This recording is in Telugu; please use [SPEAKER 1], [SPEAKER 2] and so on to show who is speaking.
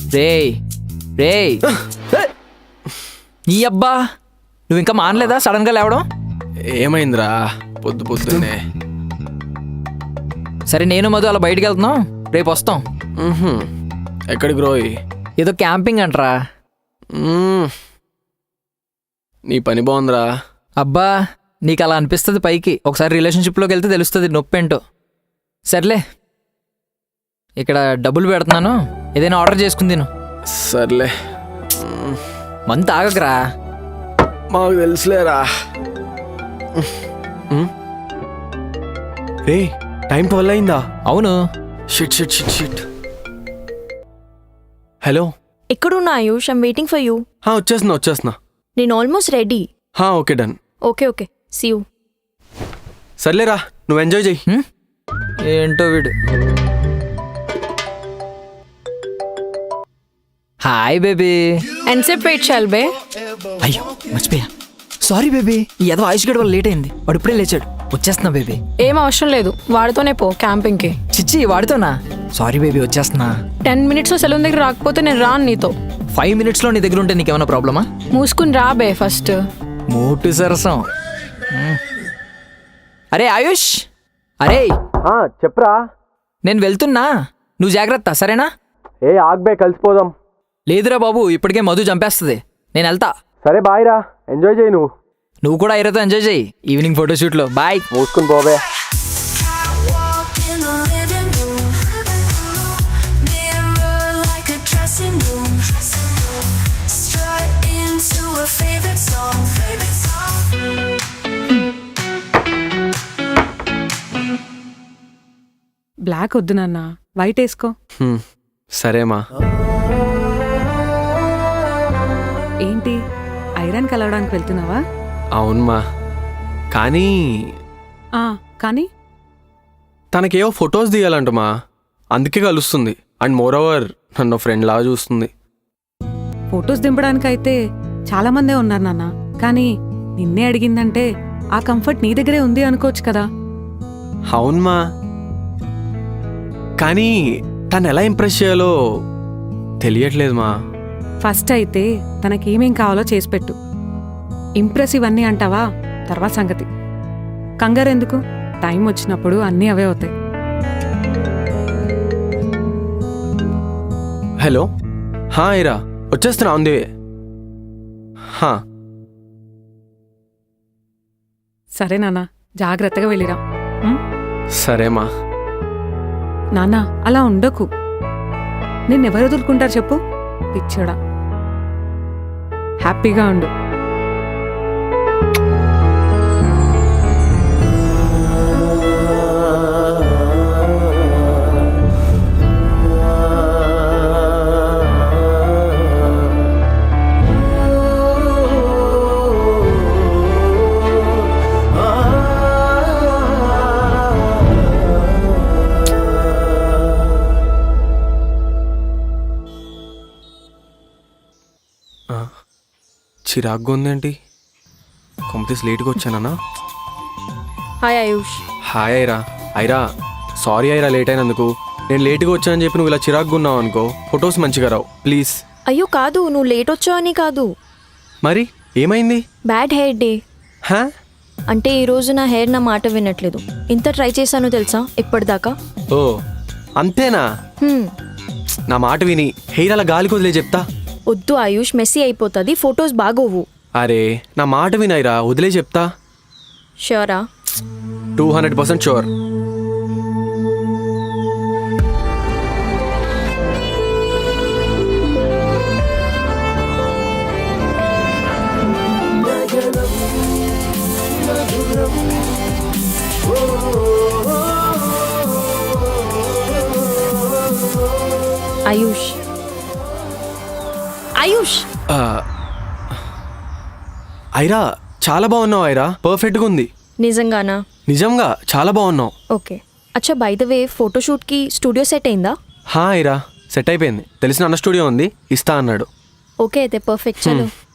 [SPEAKER 1] రేయ్ రేయ్ నీ అబ్బా నువ్వు ఇంకా మానలేదా సడన్గా లేవడం?
[SPEAKER 2] ఏమైందిరా పొద్దు పొద్దున్నే?
[SPEAKER 1] సరే నేను మధు అలా బయటికి వెళ్తున్నాం, రేపు వస్తాం.
[SPEAKER 2] ఎక్కడికి రోయ్?
[SPEAKER 1] ఏదో క్యాంపింగ్ అంటరా.
[SPEAKER 2] నీ పని బాగుందిరా.
[SPEAKER 1] అబ్బా నీకు అలా అనిపిస్తుంది పైకి, ఒకసారి రిలేషన్షిప్లోకి వెళ్తే తెలుస్తుంది నొప్పి ఏంటో. సర్లే ఇక్కడ డబ్బులు పెడుతున్నాను, ఏదైనా ఆర్డర్ చేసుకుని తిను.
[SPEAKER 2] సర్లే
[SPEAKER 1] మంత్ తాగకరా.
[SPEAKER 2] మాకు తెలుసులేరా. రే టైం 12 అయిందా?
[SPEAKER 1] అవును.
[SPEAKER 2] Shit shit shit shit. Hello
[SPEAKER 3] ఎక్కడున్నా Ayush? I'm waiting for you.
[SPEAKER 2] వచ్చేస్తున్నా.
[SPEAKER 3] నేను almost ready.
[SPEAKER 2] Okay done.
[SPEAKER 3] Okay see you.
[SPEAKER 2] సర్లేరా నువ్వు ఎంజాయ్ చెయ్యి.
[SPEAKER 1] ఏంటో వీడు. Hi baby.
[SPEAKER 3] ఎంతసేపు వెయిట్ చేయాలి బే?
[SPEAKER 1] అయ్యో మర్చిపోయా, సారీ బేబీ. ఏదో ఆయుష్ గడి వల్ల లేట్ అయింది, వాడు ఇప్పుడే లేచాడు. వచ్చేస్తున్నా బేబీ.
[SPEAKER 3] ఏం అవసరం లేదు, వాడితోనే పో క్యాంపింగ్కి.
[SPEAKER 1] చిచ్చి వాడితోనా? సారీ బేబీ వచ్చేస్తున్నా.
[SPEAKER 3] 10 minutes సెలూన్ దగ్గర రాకపోతే నేను రాను నీతో.
[SPEAKER 1] 5 minutes నీ దగ్గర ఉంటే నీకేమైనా ప్రాబ్లమా?
[SPEAKER 3] మూసుకుని రా బే ఫస్ట్.
[SPEAKER 1] మోటు సరసం. అరే ఆయుష్, అరే
[SPEAKER 2] చెప్పరా.
[SPEAKER 1] నేను వెళ్తున్నా, నువ్వు జాగ్రత్త సరేనా?
[SPEAKER 2] ఆగ్బే కలిసిపోదాం.
[SPEAKER 1] లేదురా బాబు, ఇప్పటికే మధు చంపేస్తుంది. నేను వెళ్తా.
[SPEAKER 2] సరే బాయ్ రా, ఎంజాయ్ చేయి.
[SPEAKER 1] నువ్వు కూడా ఐరతో ఎంజాయ్ చేయి ఈవినింగ్ ఫోటోషూట్లో. బాయ్.
[SPEAKER 2] మూసుకుని పోవే.
[SPEAKER 4] బ్లాక్ వద్దు నాన్న, వైట్ వేసుకో.
[SPEAKER 2] సరేమా.
[SPEAKER 4] ఏంటి ఐరన్ కలవడానికి వెళ్తున్నావా?
[SPEAKER 2] అవునమ్మా, కానీ
[SPEAKER 4] కానీ
[SPEAKER 2] తనకేవో ఫొటోస్ దిగాలంటమా, అందుకే కలుస్తుంది. అండ్ మోర్ ఓవర్ నన్ను ఫ్రెండ్ లాగా చూస్తుంది.
[SPEAKER 4] ఫొటోస్ దింపడానికైతే చాలా మందే ఉన్నారు నాన్న, కానీ నిన్నే అడిగిందంటే ఆ కంఫర్ట్ నీ దగ్గరే ఉంది అనుకోవచ్చు కదా.
[SPEAKER 2] అవునమ్మా, కానీ తను ఎలా ఇంప్రెస్ చేయాలో తెలియట్లేదుమా.
[SPEAKER 4] ఫస్ట్ అయితే తనకేమేం కావాలో చేసి పెట్టు. ఇంప్రెసివ్ అన్నీ అంటావా, తర్వాత సంగతి. కంగారు ఎందుకు, టైం వచ్చినప్పుడు అన్నీ అవే అవుతాయి.
[SPEAKER 2] హలో ఇరా వచ్చేస్తున్నా, ఉంది.
[SPEAKER 4] సరే నాన్న, జాగ్రత్తగా వెళ్ళిరా.
[SPEAKER 2] సరేమా.
[SPEAKER 4] నాన్న అలా ఉండకు, నిన్నెవరు వదులుకుంటారు చెప్పు, పిచ్చోడా. హ్యాపీగా ఉండు.
[SPEAKER 2] చిరాగ్గా ఉందేంటి? కంప్లీట్ లేట్గా వచ్చానా?
[SPEAKER 3] Hi Ayush.
[SPEAKER 2] Hi Aira. Sorry Aira late అయినందుకు. నేను లేట్గా వచ్చానని చెప్పి నువ్వు ఇలా చిరాగ్గా ఉన్నావు అనుకో, ఫొటోస్ మంచిగా రావు ప్లీజ్.
[SPEAKER 3] అయ్యో కాదు, నువ్వు లేట్ వచ్చావని కాదు.
[SPEAKER 2] మరి ఏమైంది?
[SPEAKER 3] Bad hair day. అంటే ఈరోజు నా హెయిర్ నా మాట వినట్లేదు. ఇంత ట్రై చేశాను తెలుసా ఇప్పటిదాకా.
[SPEAKER 2] ఓ అంతేనా? నా మాట విని హెయిర్ అలా గాలి కొదిలే చెప్తా.
[SPEAKER 3] వద్దు ఆయుష్, మెస్సీ అయిపోతుంది, ఫొటోస్ బాగోవు.
[SPEAKER 2] అరే నా మాట వినైరా, వదిలే చెప్తా.
[SPEAKER 3] షూరా?
[SPEAKER 2] 200% షూర్.
[SPEAKER 3] ఆయుష్ ఆయుష్
[SPEAKER 2] ఐరా చాలా బాగున్నావు ఐరా, పర్ఫెక్ట్గా ఉంది.
[SPEAKER 3] నిజంగానా?
[SPEAKER 2] నిజంగా చాలా బాగున్నావు.
[SPEAKER 3] ఓకే. అచ్చా బై ద వే, ఫోటోషూట్కి స్టూడియో సెట్ అయిందా?
[SPEAKER 2] ఐరా సెట్ అయిపోయింది. తెలిసిన అన్న స్టూడియో ఉంది, ఇస్తా అన్నాడు.
[SPEAKER 3] ఓకే అయితే పర్ఫెక్ట్. చలో.